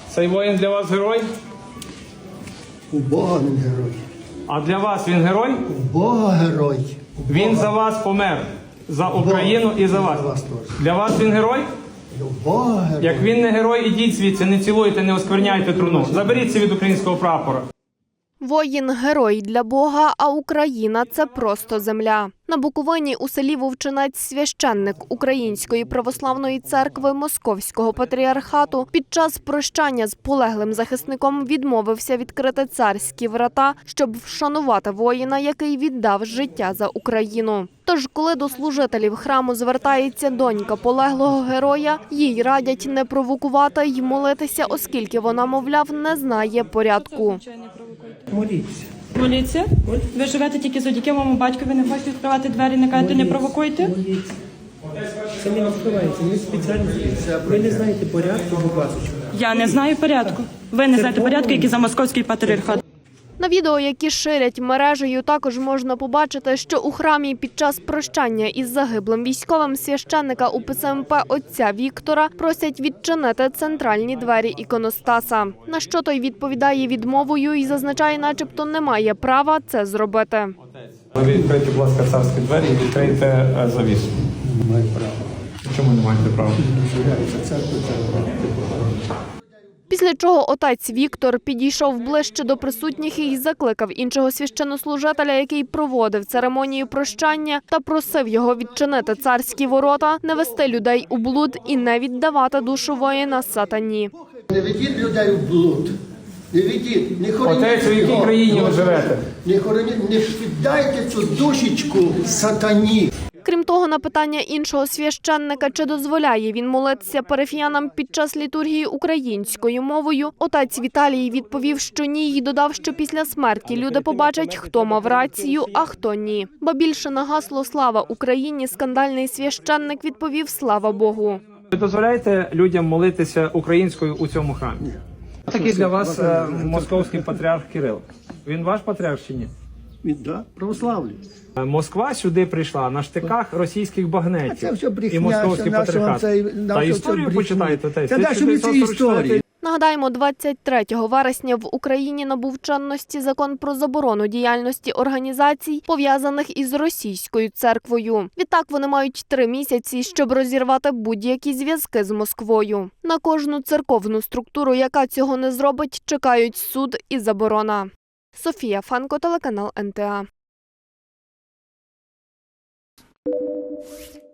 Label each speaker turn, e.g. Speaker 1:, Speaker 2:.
Speaker 1: Цей воїн для вас герой?
Speaker 2: У Бога він герой.
Speaker 1: А для вас він герой?
Speaker 2: У Бога герой. У
Speaker 1: Він
Speaker 2: Бога.
Speaker 1: за вас помер. За Україну і за вас.
Speaker 2: За вас теж.
Speaker 1: Для вас він герой?
Speaker 2: У Бога герой.
Speaker 1: Як він не герой, ідіть звідси, не цілуйте, не оскверняйте труну. Заберіться від українського прапора.
Speaker 3: Воїн – герой для Бога, а Україна – це просто земля. На Буковині у селі Вовчинець священник Української православної церкви Московського патріархату під час прощання з полеглим захисником відмовився відкрити царські врата, щоб вшанувати воїна, який віддав життя за Україну. Тож, коли до служителів храму звертається донька полеглого героя, їй радять не провокувати й молитися, оскільки вона, мовляв, не знає порядку.
Speaker 4: Моліться.
Speaker 5: Моліться? Ви живете тільки завдяки моєму батькові, не хочете відкривати двері, не кажете, не провокуйте?
Speaker 4: Моліться. Це не відкривається, ми спеціально. Ви не знаєте порядку, будь ласка.
Speaker 5: Я не знаю порядку. Ви не знаєте порядку, який за московський патріархат.
Speaker 3: На відео, які ширять мережею, також можна побачити, що у храмі під час прощання із загиблим військовим священника УПЦМП отця Віктора просять відчинити центральні двері іконостаса. На що той відповідає відмовою і зазначає, начебто не має права це зробити.
Speaker 1: Ви відкрийте, будь ласка, царські двері і відкрийте завісу.
Speaker 2: Не маю права.
Speaker 1: Чому не маєте права?
Speaker 2: Дозволяється церкву церква.
Speaker 3: Після чого отець Віктор підійшов ближче до присутніх і закликав іншого священнослужителя, який проводив церемонію прощання, та просив його відчинити царські ворота, не вести людей у блуд і не віддавати душу воїна сатані.
Speaker 2: Не ведіть людей в блуд. Не ведіть, не хороніть.
Speaker 1: Отець, у якій
Speaker 2: його.
Speaker 1: країні ви живете?
Speaker 2: Не хороніть, не віддайте цю душечку сатані.
Speaker 3: Крім того, на питання іншого священника, чи дозволяє він молитися парафіянам під час літургії українською мовою, отець Віталій відповів, що ні, і додав, що після смерті люди побачать, хто мав рацію, а хто ні. Ба більше на гасло «Слава Україні» скандальний священник відповів «Слава Богу».
Speaker 1: Ви дозволяєте людям молитися українською у цьому храмі? Такий для вас московський патріарх Кирил. Він ваш патріарх чи ні?
Speaker 2: Да, православлі.
Speaker 1: Москва сюди прийшла на штиках російських багнетів.
Speaker 2: А це все брехня,
Speaker 1: і московський
Speaker 2: що нашого
Speaker 1: патріархат.
Speaker 2: цей-
Speaker 1: Та
Speaker 2: нашого
Speaker 1: історію
Speaker 2: цей
Speaker 1: почитайте.
Speaker 2: брехня. Та далі ми ці історії.
Speaker 3: Нагадаємо, 23 вересня в Україні набув чинності закон про заборону діяльності організацій, пов'язаних із російською церквою. Відтак вони мають 3 місяці, щоб розірвати будь-які зв'язки з Москвою. На кожну церковну структуру, яка цього не зробить, чекають суд і заборона. Софія Фанко, телеканал НТА.